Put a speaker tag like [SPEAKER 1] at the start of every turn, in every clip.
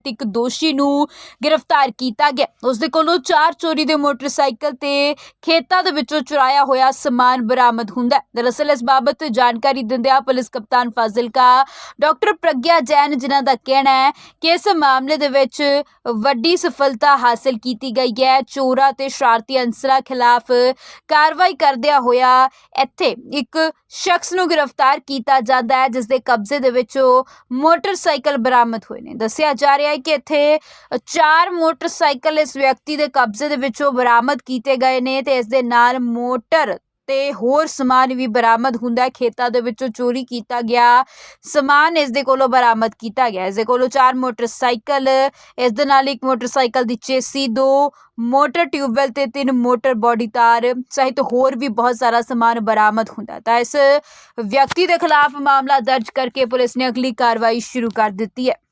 [SPEAKER 1] ਇੱਕ ਦੋਸ਼ੀ ਨੂੰ गिरफ्तार किया गया। उसदे कोलों 4 चोरी के मोटरसाइकिल ते खेतां दे विचों चुराया होया समान बरामद हुंदा है। दरअसल इस बाबत जानकारी दिंदियां पुलिस कप्तान फाजिलका डॉक्टर प्रज्ञा जैन जिन्हां दा कहना है कि इस मामले दे विच वड्डी सफलता हासिल की गई है। चोरां ते शरारती अंसरां खिलाफ कार्रवाई करदियां होया इत्थे एक शख्स नूं गिरफ्तार किया जाता है जिस दे कब्जे दे विचों मोटरसाइकिल बरामद होए ने। दस्सिया जा रहा है कि इत्थे 4 मोटरसाइकिल इस व्यक्ति के कब्जे दे विचों बरामद किए गए ने ते इस दे नाल मोटर ते होर समान भी बरामद हुंदा है। खेतां दे विचों चोरी किया गया समान इस दे कोलों बरामद किया गया। इस दे कोलों 4 मोटरसाइकिल, इस दे नाल एक मोटरसाइकिल दी चेसी, 2 मोटर ट्यूबवैल ते 3 मोटर बॉडी तार सहित होर भी बहुत सारा समान बरामद हुंदा है। तां इस व्यक्ति के खिलाफ मामला दर्ज करके पुलिस ने अगली कार्रवाई शुरू कर दी है।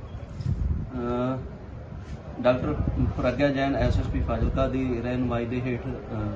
[SPEAKER 2] डॉक्टर प्रज्ञा जैन SSP फाजिलका की रहनुमाई के हेठ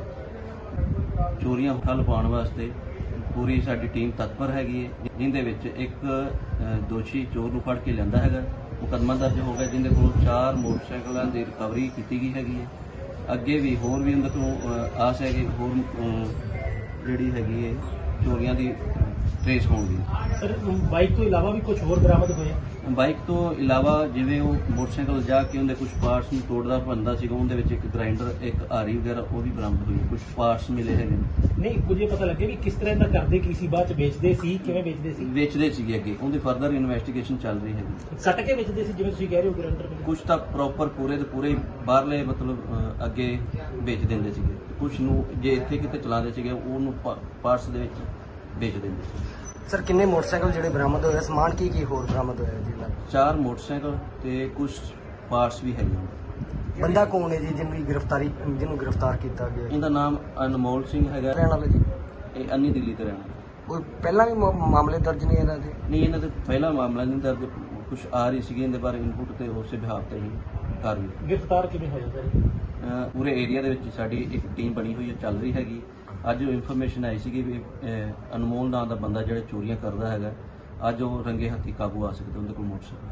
[SPEAKER 2] चोरियां ठल पाने वास्ते पूरी साडी टीम तत्पर हैगी है, जिंदे विच एक दोषी चोर नूं फड़ के लिआंदा हैगा। मुकदमा दर्ज हो गया जिंदे कोल 4 मोटरसाइकिलों की रिकवरी की गई हैगी है। अगे भी होर भी उन्हें को आस है कि होर जिहड़ी हैगी है चोरियां की ट्रेस होगी।
[SPEAKER 3] सर बाइक तो इलावा भी कुछ होर बरामद होए?
[SPEAKER 2] बाइक तो इलावा जिवें वो मोटरसाइकिल जाके उन्हें कुछ पार्ट्स में तोड़दा भंदा सीगा, उहदे विच एक ग्राइंडर, एक आरी वगैरह वो भी बरामद हुई, कुछ पार्ट्स मिले हैं।
[SPEAKER 3] नहीं कुछ ये पता लगे कि किस तरह का करते किसी बाद बेचते सी, किवें बेचते सी
[SPEAKER 2] अगे उनकी फर्दर इन्वेस्टिगेशन चल रही है।
[SPEAKER 3] सट के बेचते सी जिवें तुसीं कह रहे हो ग्राइंडर?
[SPEAKER 2] कुछ तो प्रॉपर पूरे दे पूरे बाहरले मतलब अगे बेच देंदे सीगे, कुछ नूं जे इत्थे किते चलाते सीगे उहनूं पार्ट्स दे विच बेच देंदे सी।
[SPEAKER 4] सर किन्ने मोटरसाइकिल जिहड़े बरामद होए, समान की होर बरामद होया जी?
[SPEAKER 2] 4 मोटरसाइकिल ते कुछ पार्ट्स भी है।
[SPEAKER 4] बंदा कौन है जी जिन्होंने गिरफ्तार किया गया?
[SPEAKER 2] इनका नाम अनमोल सिंह है,
[SPEAKER 4] रहने वाले जी
[SPEAKER 2] ये अन्नी दिल्ली ते रहना।
[SPEAKER 4] कोई पहला भी मामले दर्ज नहीं इन्हां दे?
[SPEAKER 2] नहीं इन्हां दे पहला मामला नहीं दर्ज, कुछ आ रही सी इनके बारे इनपुट ते उस बिहाफ ते ही कार्रवाई।
[SPEAKER 3] गिरफ्तार किवें होया सर?
[SPEAKER 2] पूरे एरिया दे विच साडी एक टीम बनी हुई है, चल रही हैगी। अज इन्फॉर्मेशन आई सी भी अनमोल नाम का बंदा जो चोरियां करता है, अज वो रंगे हत्थी काबू आ सकते उनके कोल मोटरसाइकिल।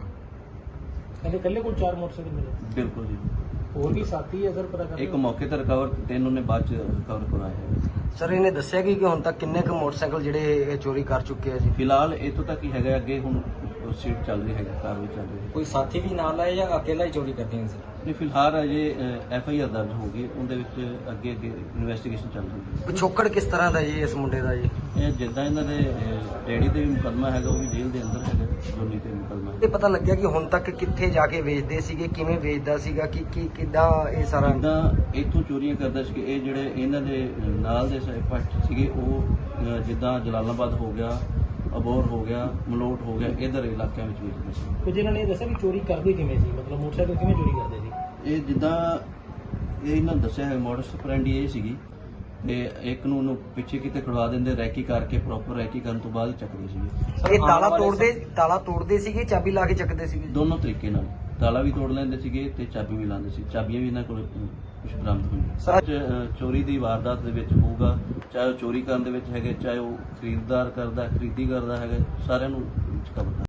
[SPEAKER 3] कल्ले कोल 4 मोटरसाइकिल मिले?
[SPEAKER 2] बिल्कुल जी।
[SPEAKER 3] और भी साथी है सर पता कर?
[SPEAKER 2] एक मौके पर रिकवर, 3 उन्हें बाद रिकवर करवाए हैं।
[SPEAKER 4] सर इन्हें दस्सिया कि हुण तक किन्ने क मोटरसाइकिल जिहड़े चोरी कर चुके हैं जी?
[SPEAKER 2] फिलहाल इतों तक ही है, अगे हुण सीट चल रही है, कार्रवाई चल रही है।
[SPEAKER 4] कोई साथी भी नाल है या अकेला ही चोरी करते हैं सर?
[SPEAKER 2] नहीं फिलहाल अजे FIR दर्ज होगी, उनके अगे इन्वेस्टिगेशन चल रही है।
[SPEAKER 4] पिछोकड़ किस तरह का जी इस मुंडे का जी?
[SPEAKER 2] ये जिद्दां इन्हां दे डैडी ते भी मुकदमा है, वो भी जेल के अंदर है, जोनी ते मुकदमा
[SPEAKER 4] ये पता लग गया कि हुण तक कित्थे जाके वेचदे सीगे, किवें वेचदा सीगा, कि किद्दां ये सारा?
[SPEAKER 2] जिद्दां इत्थों चोरियां करदा सी, ये जिहड़े इन्हां दे नाल दे पट सीगे वो जिद्दां जलालाबाद हो गया, अबोर हो गया, मलोट हो गया, इधर इलाकों में वेचदे सी।
[SPEAKER 3] कुछ इन्होंने दस्सिया कि चोरी करते किवें सी, मतलब मोटरसाइकिल किवें चोरी करते सी?
[SPEAKER 2] ये जिद्दां ये इन्हां दस्सिया है मॉडस ऑपरेंडी ये सीगी ते एक नूं उहनूं पिछे किते खड़वा दिंदे, रैकी करके प्रॉपर रैकी करन तो बाद ही चकदे सीगे।
[SPEAKER 4] ये ताला तोड़दे सीगे, चाबी ला के चकदे सीगे?
[SPEAKER 2] दोनों तरीके नाल, ताला भी तोड़ लैंदे सीगे ते चाबी भी लांदे सी। चाबियां भी इन्हां कोल कुछ बरामद होईਆਂ। चोरी की वारदात दे विच होਊਗਾ, चाहे वो चोरी करन दे विच हैगे, चाहे वो खरीददार करदा खरीदी करदा हैगा, सारिਆਂ ਨੂੰ कवर